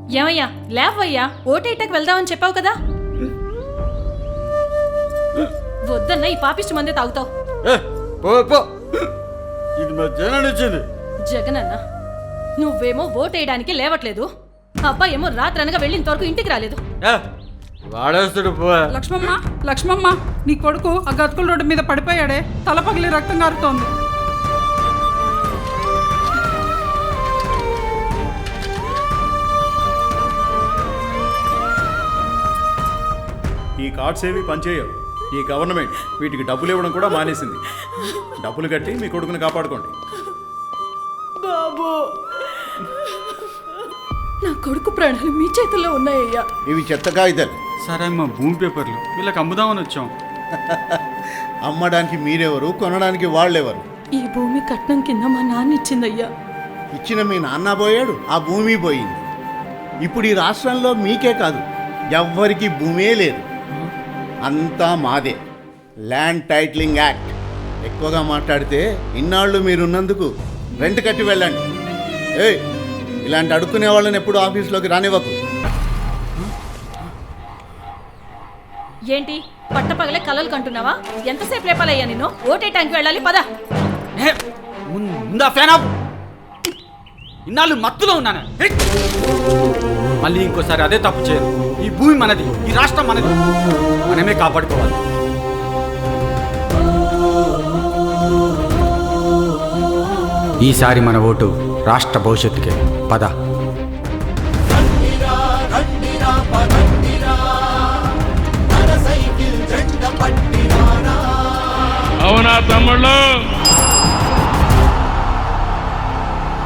ఏమయ్యా లేవయ్యా, ఓటేటకు వెళ్దామని చెప్పావు కదా. వద్దన్న ఈ పాపిష్టి మందే తాగుతావు. ఇది మా జగన్ ఇచ్చింది. జగనన్న నువ్వేమో ఓటేయడానికి లేవట్లేదు, అబ్బాయి ఏమో రాత్రనగా వెళ్ళినంతవరకు ఇంటికి రాలేదు. వాడేస్తాడు పో. లక్ష్మమ్మ లక్ష్మమ్మ, నీ కొడుకు ఆ గతుకుల రోడ్డు మీద పడిపోయాడే, తల పగిలి రక్తం కారుతోంది. ఈ కార్డ్స్ ఏవి పనిచేయవు. ఈ గవర్నమెంట్ వీటికి డబ్బులు ఇవ్వడం కూడా మానేసింది. డబ్బులు కట్టి మీ కొడుకుని కాపాడుకోండి. బాబు, నా కొడుకు ప్రాణాలు మీ చేతుల్లో ఉన్నాయ్యా. ఇవి చెత్త కాగితాలు. సరే అమ్మా, భూమి పేపర్లు వీళ్ళకి అమ్ముదామని వచ్చాం. అమ్మడానికి మీరెవరు, కొనడానికి వాళ్ళెవరు? ఈ భూమి కట్నం కింద మా నాన్న ఇచ్చిందయ్యా. ఇచ్చిన మీ నాన్న పోయాడు, ఆ భూమి పోయింది. ఇప్పుడు ఈ రాష్ట్రంలో మీకే కాదు, ఎవ్వరికి భూమే లేదు, అంతా మాదే. Land titling act. ఎక్కువగా మాట్లాడితే ఇన్నాళ్ళు మీరున్నందుకు రెంట్ కట్టి వెళ్ళండి. ఏయ్, ఇలాంటి అడుక్కునే వాళ్ళని ఎప్పుడు ఆఫీస్లోకి రానివ్వకు. ఏంటి పట్టపగలే కలలు కంటున్నావా? ఎంతసేపు లేపాలయ్యా నిన్ను? ఓటేటానికి వెళ్ళాలి, పద. ముందా ఫ్యాన్ ఆఫ్. ఇన్నాళ్ళు మత్తులో ఉన్నాను. మళ్ళీ ఇంకోసారి అదే తప్పు చేయను. ఈ భూమి మనది, ఈ రాష్ట్రం మనది, మనమే కాపాడుకోవాలి. ఈసారి మన ఓటు రాష్ట్ర భవిష్యత్తుకే. పద. అవునా తమ్ముళ్ళు?